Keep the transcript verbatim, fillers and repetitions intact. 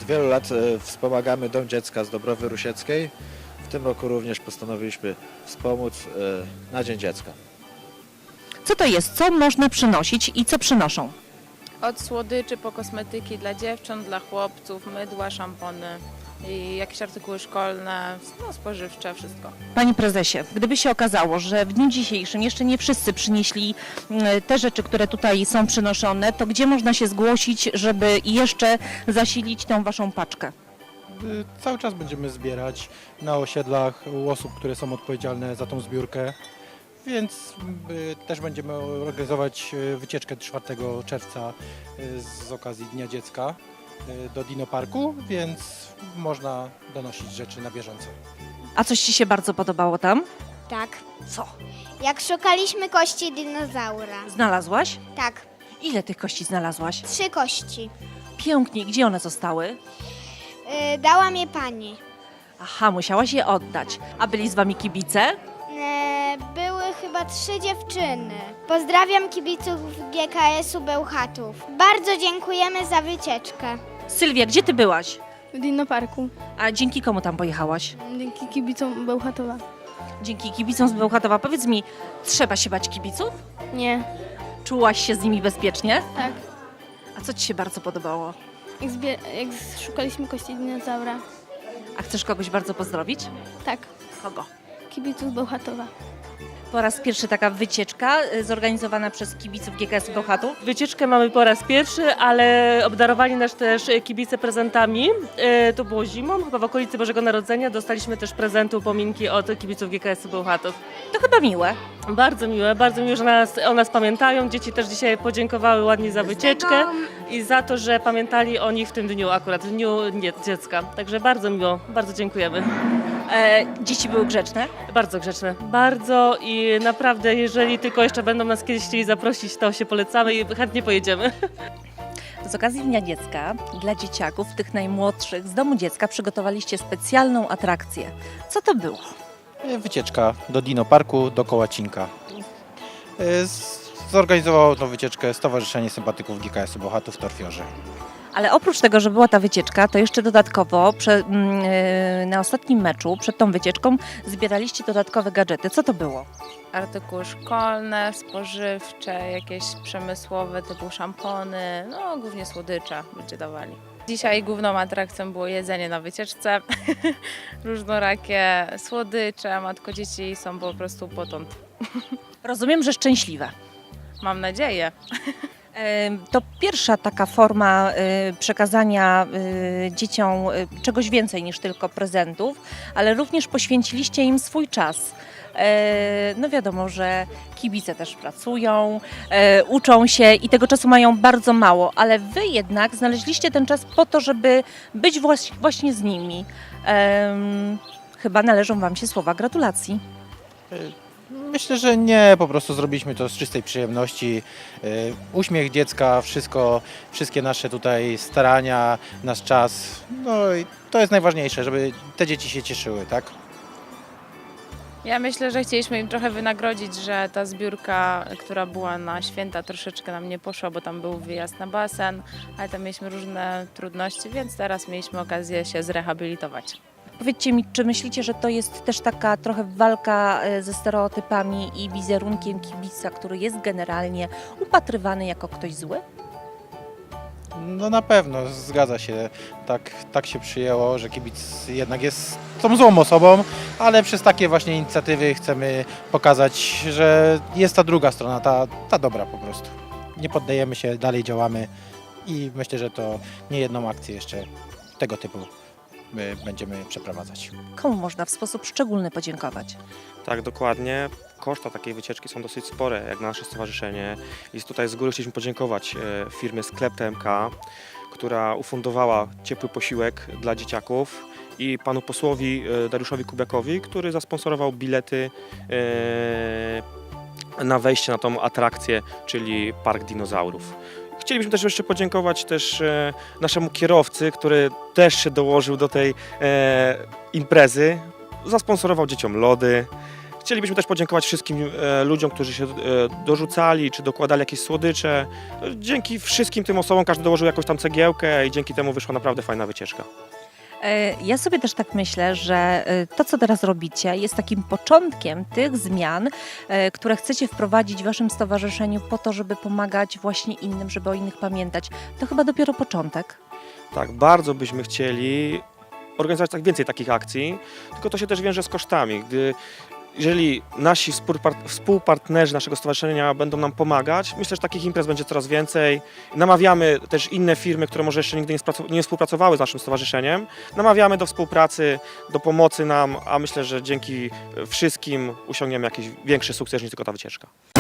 wielu lat e, wspomagamy Dom Dziecka z Dąbrowy Rusieckiej. W tym roku również postanowiliśmy wspomóc e, na Dzień Dziecka. Co to jest? Co można przynosić i co przynoszą? Od słodyczy po kosmetyki dla dziewcząt, dla chłopców, mydła, szampony i jakieś artykuły szkolne, no spożywcze, wszystko. Panie prezesie, gdyby się okazało, że w dniu dzisiejszym jeszcze nie wszyscy przynieśli mm, te rzeczy, które tutaj są przynoszone, to gdzie można się zgłosić, żeby jeszcze zasilić tą waszą paczkę? Y, Cały czas będziemy zbierać na osiedlach u osób, które są odpowiedzialne za tą zbiórkę, więc y, też będziemy organizować y, wycieczkę czwartego czerwca y, z okazji Dnia Dziecka y, do Dino Parku, więc można donosić rzeczy na bieżąco. A coś ci się bardzo podobało tam? Tak. Co? Jak szukaliśmy kości dinozaura. Znalazłaś? Tak. Ile tych kości znalazłaś? Trzy kości. Pięknie. Gdzie one zostały? Yy, dała mnie pani. Aha, musiałaś je oddać. A byli z wami kibice? Yy, były chyba trzy dziewczyny. Pozdrawiam kibiców G K S-u Bełchatów. Bardzo dziękujemy za wycieczkę. Sylwia, gdzie ty byłaś? W Dino Parku, A dzięki komu tam pojechałaś? dzięki kibicom Bełchatowa. Dzięki kibicom z Bełchatowa. Powiedz mi, trzeba się bać kibiców? Nie, Czułaś się z nimi bezpiecznie? tak. A co ci się bardzo podobało? Jak, zbie- jak szukaliśmy kości dinozaura. A chcesz kogoś bardzo pozdrowić? Tak, Kogo? kibiców Bełchatowa. Po raz pierwszy taka wycieczka y, zorganizowana przez kibiców G K S Bełchatów. Wycieczkę mamy po raz pierwszy, ale obdarowali nas też kibice prezentami. E, to było zimą, chyba w okolicy Bożego Narodzenia. Dostaliśmy też prezenty, upominki od kibiców G K S Bełchatów. To chyba miłe. Bardzo miłe, bardzo miłe, że nas, o nas pamiętają. Dzieci też dzisiaj podziękowały ładnie za wycieczkę i za to, że pamiętali o nich w tym dniu akurat, w dniu nie, dziecka. Także bardzo miło, bardzo dziękujemy. E, dzieci były grzeczne. Bardzo grzeczne, bardzo i naprawdę, jeżeli tylko jeszcze będą nas kiedyś chcieli zaprosić, to się polecamy i chętnie pojedziemy. Z okazji Dnia Dziecka dla dzieciaków, tych najmłodszych z Domu Dziecka przygotowaliście specjalną atrakcję. Co to było? Y, Wycieczka do Dino Parku, do Kołacinka. Y, z- Zorganizowało tą wycieczkę Stowarzyszenie Sympatyków G K S-u Bełchatów w Torfiorze. Ale oprócz tego, że była ta wycieczka, to jeszcze dodatkowo prze, mm, yy, na ostatnim meczu, przed tą wycieczką, zbieraliście dodatkowe gadżety. Co to było? Artykuły szkolne, spożywcze, jakieś przemysłowe typu szampony, no głównie słodycze ludzie dawali. Dzisiaj główną atrakcją było jedzenie na wycieczce, różnorakie słodycze, matko dzieci są po prostu potąd. Rozumiem, że szczęśliwe. Mam nadzieję. Em, To pierwsza taka forma y, przekazania y, dzieciom y, czegoś więcej niż tylko prezentów, ale również poświęciliście im swój czas. E, No wiadomo, że kibice też pracują, e, uczą się i tego czasu mają bardzo mało, ale wy jednak znaleźliście ten czas po to, żeby być właś- właśnie z nimi. Em, Chyba należą wam się słowa gratulacji. Y, Myślę, że nie, po prostu zrobiliśmy to z czystej przyjemności. Y, Uśmiech dziecka, wszystko, wszystkie nasze tutaj starania, nasz czas, no i to jest najważniejsze, żeby te dzieci się cieszyły, tak? Ja myślę, że chcieliśmy im trochę wynagrodzić, że ta zbiórka, która była na święta, troszeczkę nam nie poszła, bo tam był wyjazd na basen, ale tam mieliśmy różne trudności, więc teraz mieliśmy okazję się zrehabilitować. Powiedzcie mi, czy myślicie, że to jest też taka trochę walka e, ze stereotypami i wizerunkiem kibica, który jest generalnie upatrywany jako ktoś zły? No na pewno, zgadza się. Tak, tak się przyjęło, że kibic jednak jest tą złą osobą, ale przez takie właśnie inicjatywy chcemy pokazać, że jest ta druga strona, ta, ta dobra po prostu. Nie poddajemy się, dalej działamy i myślę, że to nie jedną akcję jeszcze tego typu my będziemy przeprowadzać. Komu można w sposób szczególny podziękować? Tak, dokładnie. Koszta takiej wycieczki są dosyć spore, jak na nasze stowarzyszenie. I tutaj z góry chcieliśmy podziękować e, firmie Sklep T M K, która ufundowała ciepły posiłek dla dzieciaków i panu posłowi e, Dariuszowi Kubiakowi, który zasponsorował bilety e, na wejście na tą atrakcję, czyli Park Dinozaurów. Chcielibyśmy też jeszcze podziękować też e, naszemu kierowcy, który też się dołożył do tej e, imprezy. Zasponsorował dzieciom lody. Chcielibyśmy też podziękować wszystkim e, ludziom, którzy się e, dorzucali, czy dokładali jakieś słodycze. Dzięki wszystkim tym osobom każdy dołożył jakąś tam cegiełkę i dzięki temu wyszła naprawdę fajna wycieczka. E, Ja sobie też tak myślę, że e, to, co teraz robicie, jest takim początkiem tych zmian, e, które chcecie wprowadzić w Waszym stowarzyszeniu po to, żeby pomagać właśnie innym, żeby o innych pamiętać. To chyba dopiero początek. Tak, bardzo byśmy chcieli organizować tak więcej takich akcji, tylko to się też wiąże z kosztami. Gdy, jeżeli nasi współpart- współpartnerzy naszego stowarzyszenia będą nam pomagać, myślę, że takich imprez będzie coraz więcej. Namawiamy też inne firmy, które może jeszcze nigdy nie, spracu- nie współpracowały z naszym stowarzyszeniem. Namawiamy do współpracy, do pomocy nam, a myślę, że dzięki wszystkim osiągniemy jakiś większy sukces niż tylko ta wycieczka.